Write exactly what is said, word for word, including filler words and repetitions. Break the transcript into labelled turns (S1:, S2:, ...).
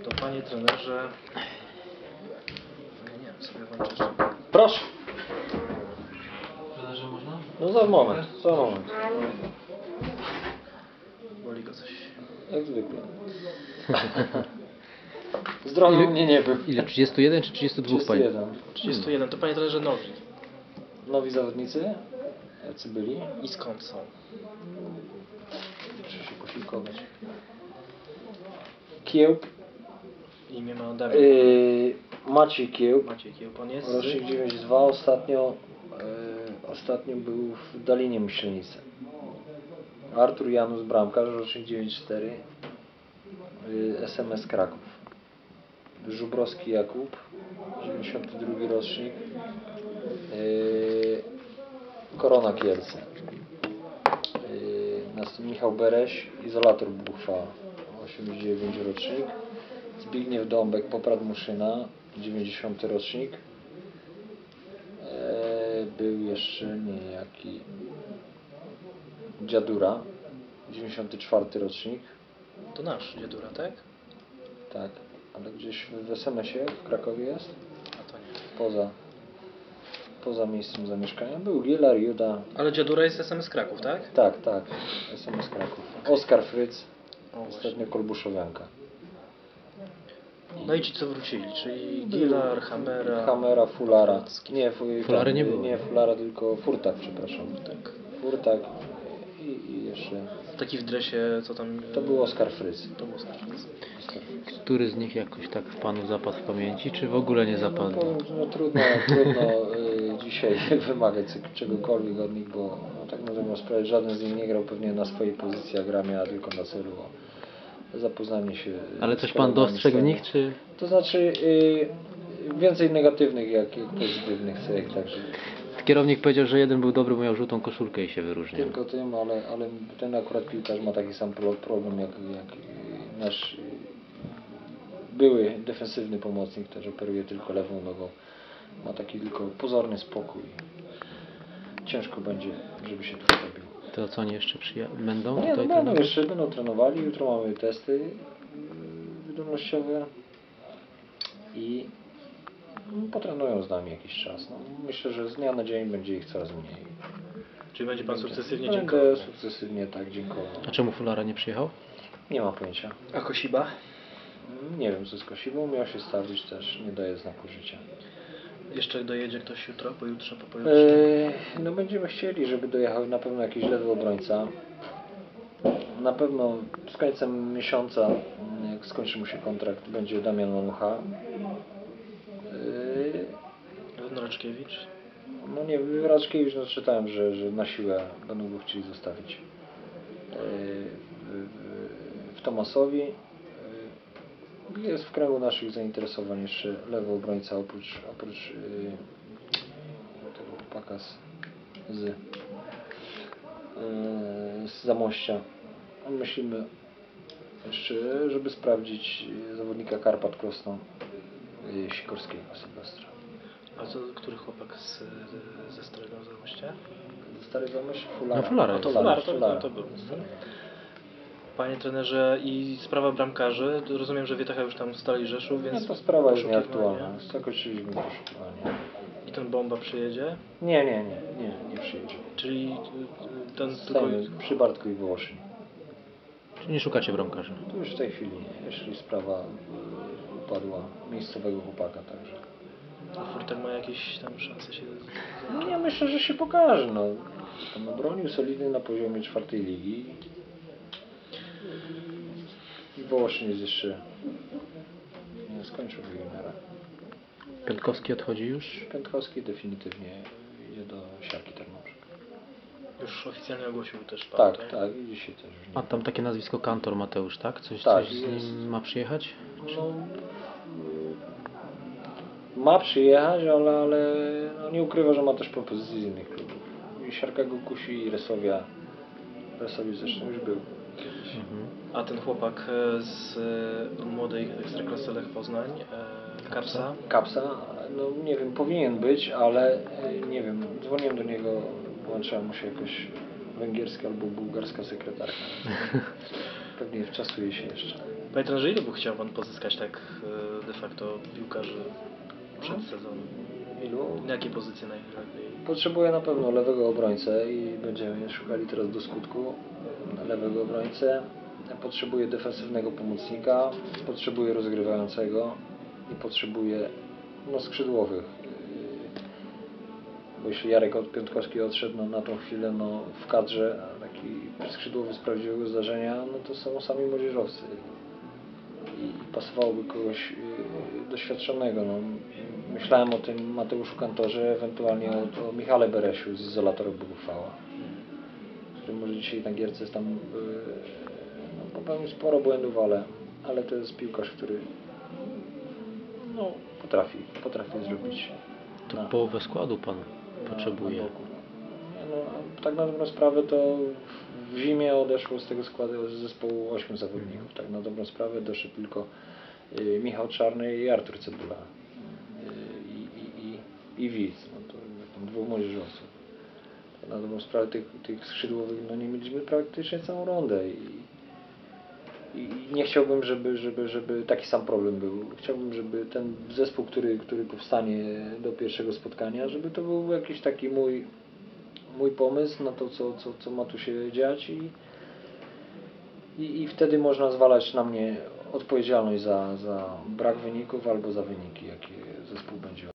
S1: To panie trenerze... Ja nie wiem, sobie włączę jeszcze...
S2: Proszę.
S1: Trenerze można?
S2: No za moment, za moment.
S1: Boli go coś.
S2: Jak zwykle. Zdrowy
S3: Ile-
S2: mnie nie był.
S3: Ile? trzydzieści jeden czy trzydzieści dwa
S2: trzydzieści
S3: pani?
S2: jeden.
S1: trzydzieści jeden. To panie trenerze nowi.
S2: Nowi zawodnicy? Jacy byli?
S1: I skąd są?
S2: Muszę się posiłkować. Kiełb.
S1: Imię ma Damian.
S2: Yy, Maciej Kiełb.
S1: Maciej Kiełb, on jest?
S2: Rocznik dziewięćdziesiąt dwa. Ostatnio, yy, ostatnio był w Dalinie Myślenicy. Artur Janus Bramkarz, rocznik dziewięćdziesiąt cztery. Yy, S M S Kraków. Żubrowski Jakub, dziewięćdziesiąty drugi rocznik. Yy, Korona Kielce. Yy, następnie Michał Bereś, Izolator Buchwa, osiemdziesiąty dziewiąty rocznik. Zbigniew Dąbek, Poprad Muszyna, dziewięćdziesiąty rocznik. Yy, był jeszcze niejaki Dziadura, dziewięćdziesiąty czwarty rocznik.
S1: To nasz Dziadura, tak?
S2: Tak, ale gdzieś w S M S-ie w Krakowie jest,
S1: A to nie.
S2: poza, poza miejscem zamieszkania. Był Gielar, Juda.
S1: Ale Dziadura jest S M S Kraków, tak?
S2: Tak, tak, S M S Kraków. Oskar Fryc,
S1: O, właśnie.
S2: ostatnio Kolbuszowianka.
S1: No i ci co wrócili, czyli Gilar, Hamera...
S2: Hamera, Fulara. Nie, fu,
S3: Fulary
S2: tam,
S3: nie było.
S2: Nie, Fulara, tylko Furtak, przepraszam.
S1: Tak.
S2: Furtak i, i jeszcze...
S1: Taki w dresie, co tam...
S2: To był Oskar Fryc.
S1: To był Oskar Fryc.
S2: Oskar Fryc.
S3: Który z nich jakoś tak w panu zapadł w pamięci, czy w ogóle nie
S2: No,
S3: zapadł?
S2: powiem, no trudno, trudno y, dzisiaj wymagać czegokolwiek od nich, bo no, tak możemy sprawę, żaden z nich nie grał pewnie na swojej pozycji, a gra miała tylko na celu o zapoznanie się.
S3: Ale
S2: z
S3: coś pan
S2: kolegami
S3: dostrzegł w
S2: sceny.
S3: nich, czy...
S2: To znaczy y, więcej negatywnych jak, jak pozytywnych cech, także
S3: Kierownik powiedział, że jeden był dobry, bo miał żółtą koszulkę i się wyróżniał.
S2: tylko tym, ale, ale ten akurat piłkarz ma taki sam pro- problem jak, jak nasz y, były defensywny pomocnik, też operuje tylko lewą nogą. Ma taki tylko pozorny spokój. Ciężko będzie, żeby się tu zrobił.
S3: To co oni jeszcze przyja- będą
S2: Nie, no
S3: tutaj
S2: będą
S3: trenować?
S2: jeszcze, będą trenowali. Jutro mamy testy yy, wydolnościowe i no, potrenują z nami jakiś czas. No, myślę, że z dnia na dzień będzie ich coraz mniej.
S1: Czyli będzie pan sukcesywnie
S2: Będę
S1: dziękował.
S2: sukcesywnie tak dziękował.
S3: A czemu Fulara nie przyjechał?
S2: Nie ma pojęcia.
S1: A Kosiba?
S2: Nie wiem co z Kosibą, miał się stawić też, nie daje znaku życia.
S1: Jeszcze dojedzie ktoś jutro, pojutrze, po pojutrze?
S2: Eee, no będziemy chcieli, żeby dojechał na pewno jakiś lewy obrońca. Na pewno z końcem miesiąca, jak skończy mu się kontrakt, będzie Damian Manucha. Eee,
S1: Raczkiewicz?
S2: no nie, Raczkiewicz, no czytałem, że, że na siłę będą go chcieli zostawić. Eee, w, w, w Tomasowi. Eee, jest w kręgu naszych zainteresowań jeszcze lewy obrońca oprócz, oprócz eee, tego chłopaka z, z, eee, z Zamościa. Myślimy jeszcze, żeby sprawdzić zawodnika Karpat Krosno eee, Sikorskiego Sylwestra.
S1: A co, który chłopak z, ze Starego Zamościa?
S2: Stary Zamość? Fulara.
S3: No, Fulara
S1: A to
S3: jest.
S1: Fulara, to,
S2: Fulara.
S1: to, to był. Panie trenerze, i sprawa bramkarzy, rozumiem, że Wietacha już tam stali Rzeszów,
S2: No
S1: więc...
S2: to sprawa jest
S1: poszukiwania.
S2: nieaktualna. Zakończyliśmy poszukiwanie.
S1: I ten Bomba przyjedzie?
S2: Nie, nie, nie, nie, nie przyjedzie.
S1: Czyli y, ten tylko...
S2: Stajemy przy Bartku i Wołoszyn.
S3: Czy nie szukacie bramkarza?
S2: Tu już w tej chwili, jeśli sprawa y, upadła miejscowego chłopaka, także.
S1: A Furtek ma jakieś tam szanse się...
S2: No ja myślę, że się pokaże. No. Tam obronił solidny na poziomie czwartej ligi. I Wołoszyn jest jeszcze... Nie skończył juniora.
S3: Piątkowski odchodzi już?
S2: Piątkowski definitywnie idzie do Siarki Tarnobrzeg.
S1: Już oficjalnie ogłosił też pan,
S2: Tak, tak, i dzisiaj też już
S3: Ma
S2: nie.
S3: tam takie nazwisko Kantor Mateusz, tak? Coś,
S2: Tak,
S3: coś z
S2: jest.
S3: nim ma przyjechać?
S2: No, y, ma przyjechać, ale, ale no nie ukrywa, że ma też propozycje z innych klubów. I Siarka go kusi i Resowia. Resowi zresztą już był kiedyś.
S3: Mhm.
S1: A ten chłopak e, z e, młodej Ekstraklasy Lech Poznań, e, Kapsa,
S2: Kapsa, no nie wiem, powinien być, ale y, nie wiem, dzwoniłem do niego, włączyła mu się jakoś węgierska albo bułgarska sekretarka. Pewnie wczasuje się jeszcze.
S1: Panie trenerze, ile by chciał Pan pozyskać tak e, de facto piłkarzy przed sezonem?
S2: Ilu?
S1: Na jakie pozycje najlepiej?
S2: Potrzebuję na pewno lewego obrońcę i będziemy szukali teraz do skutku lewego obrońcę. Potrzebuję defensywnego pomocnika, potrzebuję rozgrywającego i potrzebuję no, skrzydłowych. Bo jeśli Jarek od Piątkowski odszedł no, na tą chwilę no, w kadrze, a taki skrzydłowy z prawdziwego zdarzenia, no to są sami młodzieżowcy. I pasowałoby kogoś yy, doświadczonego. No. Myślałem o tym Mateuszu Kantorze, ewentualnie o, o Michale Beresiu z Izolatorów Bogufała, który może dzisiaj na gierce jest tam yy, no, popełnił sporo błędów, ale, ale to jest piłkarz, który no, potrafi, potrafi zrobić.
S3: To
S2: na-
S3: połowę składu Pan
S2: na-
S3: potrzebuje.
S2: na boku. Nie, no, tak na dobrą sprawę to w zimie odeszło z tego składu z zespołu ośmiu zawodników. Tak na dobrą sprawę doszedł tylko y, Michał Czarny i Artur Cebula. Y, i, i, i, i Widz. No to tam dwóch młodzieżowców. Tak na dobrą sprawę tych, tych skrzydłowych no nie mieliśmy praktycznie całą rundę. I, i nie chciałbym, żeby, żeby, żeby taki sam problem był. Chciałbym, żeby ten zespół, który, który powstanie do pierwszego spotkania, żeby to był jakiś taki mój, mój pomysł na to, co, co, co ma tu się dziać i, i, i wtedy można zwalać na mnie odpowiedzialność za, za brak wyników albo za wyniki, jakie zespół będzie